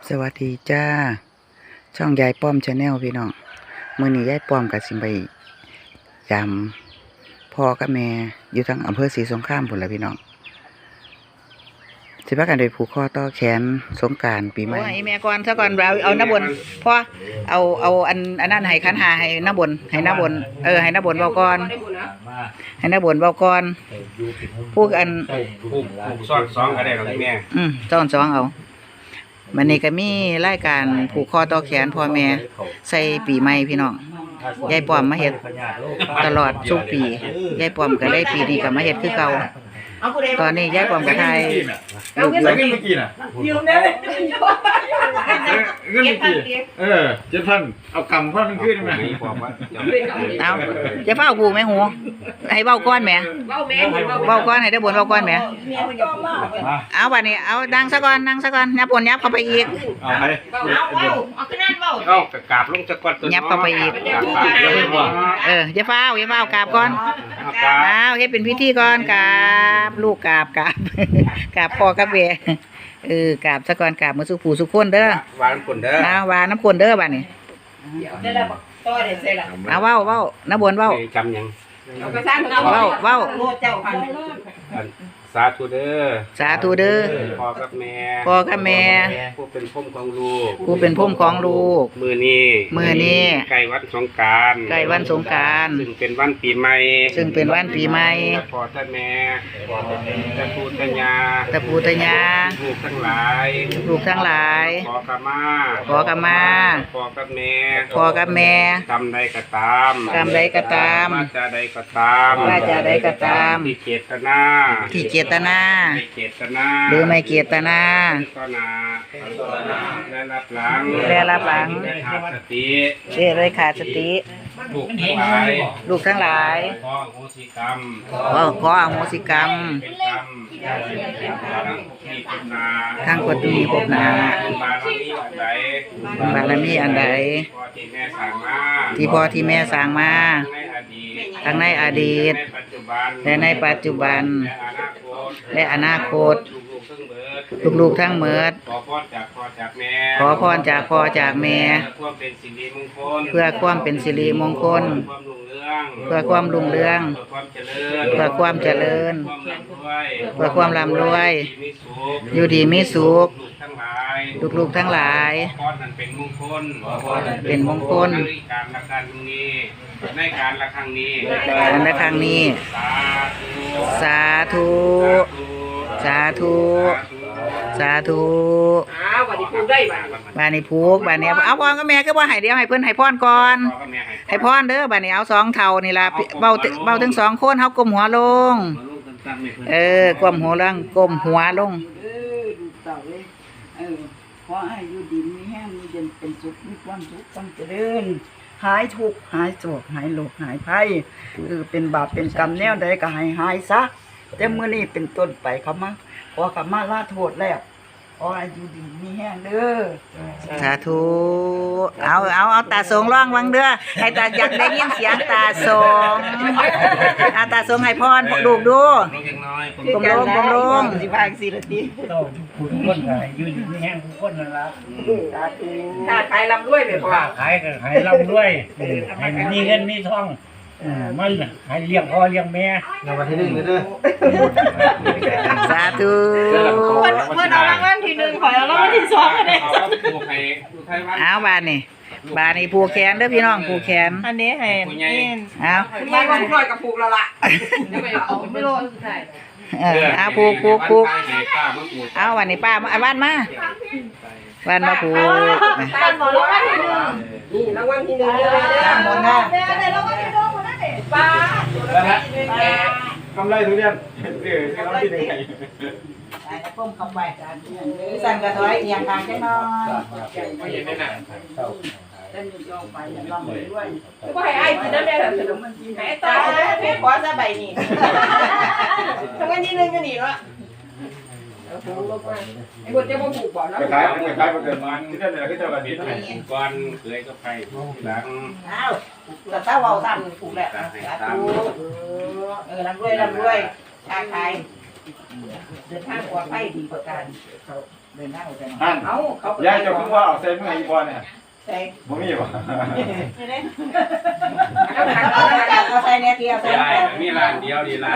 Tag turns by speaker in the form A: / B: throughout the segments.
A: สวัสดีจ้าช่องยายป้อมชาแนลพี่น้องมื้อนี้ยายป้อมกับสิไปยำพ่อกับแม่อยู่ทั้งอำเภอศรีสงครามพุ่นละพี่น้องสิพากันไปผูกคอต่อแขนสงกรานต์ปีใหม่ไอ้แม่ก่อนซะก่อนเอาน้าบนพ่อเอาอันนั้นให้คันหาให้น้าบนให้น้าบนให้น้าบนเว้าก่อนให้น้าบนเว้าก่อนพูกอัน
B: ผูกซ้อนสองก็ได้หรอกแม่
A: ซ้อนสองเอามันนี่ก็มีรายการผูกคอต่อแขนพ่อแม่ใส่ปีใหม่พี่น้องยายป้อมมาเฮ็ดตลอดทุกปียายป้อมก็ได้ปีนี้ก็มาเฮ็ดคือเก่าตอนนี้ยายป้อมก็ถ่ายรูปอยู่
C: ยืมได้เลยเงินเมื่อกี้7,000เอากำพันมันขึ้นไหม
A: เอาจะเฝ้ากูแม่หูให้เว้าก้อนแม่เว้าก้อนให้ได้บนเว้าก้อนแม่เอาบัดนี้เอาดังซะก่อนนั่งซะก่อนยับปนยับเข้าไปอีก
C: เอาไป
B: เอาขึ้นนั่นเว้าเอากราบลงซะก่อน
A: ยับเข้าไปอีกอย่าเฝ้ากราบก่อนเอาเฮ็ดเป็นพิธีก่อนกราบลูกกราบพ่อกับแม่กราบซะก่อนกราบมื้อสุขผู้สุขคนเด้อ
B: หวานคนเด้อ
A: หวานน้ำคนเด้อบัดนี้เอาเว้าน้าบนเว้า
B: จำยัง
A: เว้า
B: สาธุเด้อพ่อกับแม่ผู้เป็นพ่อของลูกมื้อนี้ใกล้วันสงกรานต์ซึ่งเป็นวันปีใหม่พ่อและแม่ตะปูตะยาลูกทั้งหลายขอกะมาพ่อกับแม่กรรมใดก็ตามวาจาใดก็ตามที่เจตนา
A: หรือไม่เจตนา
B: และรับหลัง
A: ได้ขาดสติลูกทั้งหลาย
B: ขออโหสิกรรม
A: ทั้งคนที่พบหน้าบารมีอันใดที่พ่อที่แม่สร้างมาทั้งในอดีตและในปัจจุบันและอนาคตลูกทั้งหมดขอพรจากพ่อจากแม่เพื่อความเป็นสิริมงคลเพื่อความรุ่งเรืองเพื่อความเจริญเพื่อความร่ำรวยอยู่ดีมีสุขลูกทั้งหลายเป็นมงคลในการละครั้งนี้สาธุบานี้ผูกบานี้เอาพ่อกับแม่ก็ว่าให้เดียวให้เพิ่นให้พรก่อนให้พรเด้อบานี้เอา2เท่านี่ล่ะเบาถึง2คนเฮาก้มหัวลงก้มหัวลง
D: ขอให้อยู่ดีมีแห้งมีเย็นเป็นสุขมีความสุขความเจริญหายทุกข์หายโศกหายโรคหายภัยเป็นบาปเป็นกรรมแนวใดก็ให้หายซะแต่มื้อนี้เป็นต้นไปเขามาขอกลับมาลาโทษแล้วขอให้อยู่ดีมีแห้งเด้อ
A: สาธุเอาตาสงร้องวังเด้อให้ตาอยากได้ยินเสียงตาสงตาสงให้พรลูกดูกลม
D: สิพาสิละติ
C: ต้องผู้คนอยู่ดีมีแห้งผู้คนนั่นล่ะ
D: สาธุถ้าขายร่ำรวยไปพ่อ
C: ขายก็ขายร่ำรวยให้มีเงินมีทองมันให้เลี้ยงพ่อเลี้ยงแม่
B: ในวันที่1เด้อ
A: สาธุ
D: เพิ่นเอารางวัลที่1ขอเอารางวัลที่2เด้
A: เอาบาดนี้ผูกแขนเด้อพี่น้องผูกแขน
D: อันนี้ให้
A: เอา
D: ไม่ต้องคอยกับผูกแล้วล่ะไม่รู้สุดท้าย
A: เอาผูกเอาวันนี้ป้ามาบ้านมาผูก
D: บ้านหมอรางวัลที่1นี่รางวัลที่1เด้อหมดนะได้รางวัลที่1หมดนะเด้ป้าก
C: ำไรทุเรียนกำไรที่1
D: ไอ้ก้มเข้าไปสั่นกระถอยเอียงทางจังน้อย
B: ไม่เห็นได้น่ะ
D: เต้นอยู่ย่องไปลำด้วยก็ให้ไอ้กินน้ำแดงขนมมันกินให้ตาเพชรขอซะใบนี่ทำกันที่1ก็หนีแล้วไอ้คนจะมาผูกบ่อแล้ว
C: ขายมันเกิดมันที่นั่นเลยที่เจ้าระดิษฐ์
B: ก่อนเคยก็ไปหลัง
D: แต่ถ้าเราทำผูกแหละร่ำรวยชาไทยเดินทางปลอดภัยดีประการ
A: เดินหน้าไปหน่อย
C: ท่าน
D: เอาเขา
C: ยายเจ้าคือว่าเอาใส่เมื่ออีพอเนี่ย
D: ใส่
C: บ่มีบ่
D: เอาใส่เนี่ยเดียวใส่
B: ใช่มีร้านเดียวดีร้าน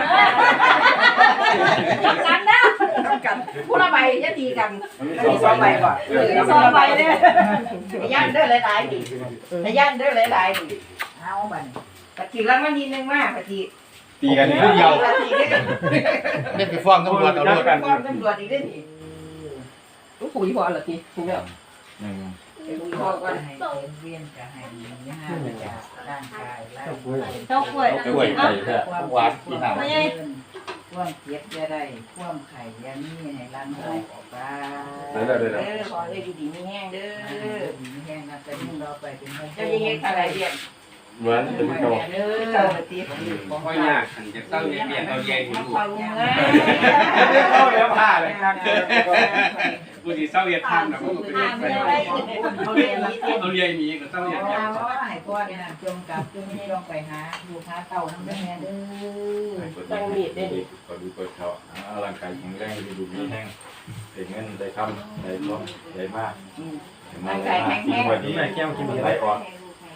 D: กันนะกันผู้ละใบจะตีกัน
C: มันมี
D: มี
C: สอง
D: 2
C: ใบ
D: ใบบ่2 ใบเด้อย่านเด้อหลายๆดิย่านเด้อหลายๆดิเอาบัดปฏิรางวัลที่1มาปฏิ
C: ตีกันผู้เดียว
D: ปฏิเด้อ
E: เล่นไปฟ้องตำรวจเอารถ
C: กัน
D: ฟ้องตำรวจอีกเด้อนี่ลูกปุ๋ยพอละทีถูกแล้วปุ๋ยพอก่อน
A: ให้เวียนจะให้ยาจากร่างกายแล้ว
F: เจ้ากล้วย
E: กล้วยไก่แท้หวานที่หา
A: ความเจ็บจะได้ความไข่ยามีให้ร่างกายออกไป
D: ขอเลยอยู่ดีมีแห้งเด้อ
A: มีแห้งนะแต่ยิ่งเราไปเป็น
D: เจ้าจะเฮ็ดอะไรเรียน
C: เหมือนเป็นเก่า
D: เด้อเจ้าปฏิ
B: ก็ยากขันจะต้องเรียนเอาใหญ่ที่ลูก
D: เขาลุงเอ้ย
C: เข้าแล้วผ้าเลย
B: ผู้ที่เศร้าเรียนทำนะก็เป็นไปเอาเรียนนี้ก็ต้องเรียน
A: เอาว่าให้พ่อเนี่ยจงกลับจงไม่ลงไปหาลูกหาเต่าทั้งแม่เด้อ
D: ต้องมีดเด้อ
C: ก็ดูตัวเขาร่างกายแข็งแรงดูมีแห้งได้เงินได้คำได้ทองได้มากวันนี้แก้วกินอะไรก่อน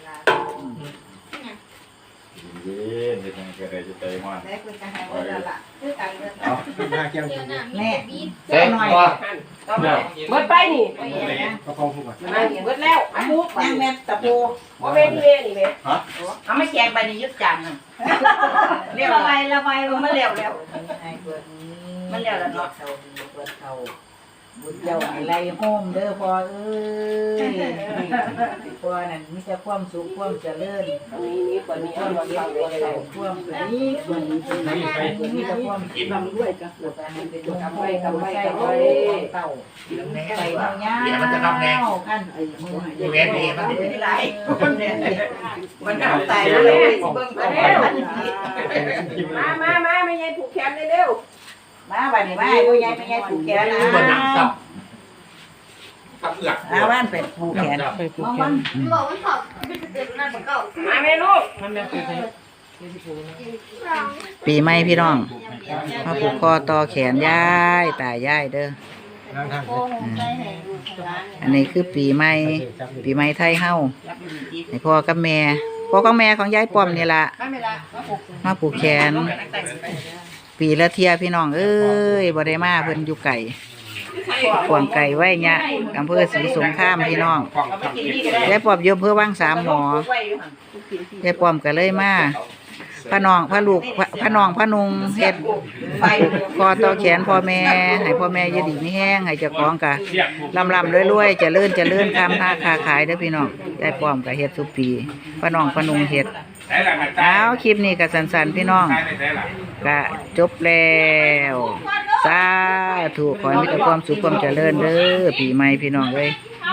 C: เย็นเด็กก็ได้จะใจมาก
D: ได้คุยกันให้ว่าละคือกันเด้อ
C: เอาหน้าแก้วกิน
A: แม่
E: เซ็งตัว
D: ต้องเบิดไปนี่
C: ก็พอพูด
D: มานี่เบิดแล้วอันมุกยังแม่ตะปูบ่แม่นี่เว้นี่เว้เอาไม่แจกใบนี้ยึดจานนึงเรียกอะไรละใบมันแล้วแล้ว
A: ให้เปิดนี้
D: มันแล้วล่ะเนาะ
A: เต่าดีเปิดเต่าบุญเจ้าอะไรโฮมเด้อพ่อเอ้ยพ่อนั่นมีแต่ความสุขความเจริญ
D: นี่กว่านี้
A: ควา
D: เอา
A: ม
D: มา
A: เย็น
D: ฟัง
A: ความ
D: ไว้
A: ใส่ความสุขมีแต่ความกิน
D: ทำด้วยกัน
A: ปวดให้เป็นลมโพใส่เต่าใส่เงาขั้นมือ
E: อีเวนต์นี่มัน
D: ไม่ได้ไรมันเอาตายแล้วเลยเบิ่งกันแล้วมาไม่ยายผูกแขนเร็ว
A: มาบ้านนี้มาผู้ใหญ่ไม่ใหญ่ผูกแขนนะ
E: ตัวหนังสับกับเอือก
A: อาบ้านเป็ดผูกแขนมัน
F: บอกว่าสอบเป็นเด็กนั่นเหมือนเก่า
D: มาแม่ลูก
A: ปีใหม่พี่น้องมาผูกคอต่อแขนยายตายายเด้อ
F: โอ้โหใจแห่งร้าน
A: อันนี้คือปีใหม่ไทยเฮาให้พ่อกับแม่พ่อกับแม่ของยายป้อมนี่ล่ะ
D: มาเวลามาผูก
A: มาผูกแขน ปีละเที่ยพี่น้องเอ้ยบ่ได้มาเพิ่นอยู่ไก่ขวางไก่ไว้เนี่ยอำเภอศรีสงครามพี่น้อง
D: เอาไปกินนี่ก็ได้
A: ยายป้อมอยู่อำเภอวังสามหมอ
D: ไว้อยู่หั่น
A: ยายป้อมก็เลยมาพระน้องพระลูกพระน้องพระนุงเฮ็ด
D: ไฟ
A: คอต่อแขนพ่อแม่ให้พ่อแม่อยู่ดีมีแห้งให้เจ้าของกะลำรวยๆเจริญทำค้าขายเด้อพี่น้องยายป้อมก็เฮ็ดทุกปีพระน้องพระนุงเฮ็ด
B: ใช่หลัง
A: เอาคลิปนี้ก็สั้นๆพี่น้อง
B: ใช่ไม่ใช่หลัง
A: ก็จบแล้วสาธุขอให้มีแต่ความสุขความเจริญเด้อปีใหม่พี่น้องเอ้ย
F: ท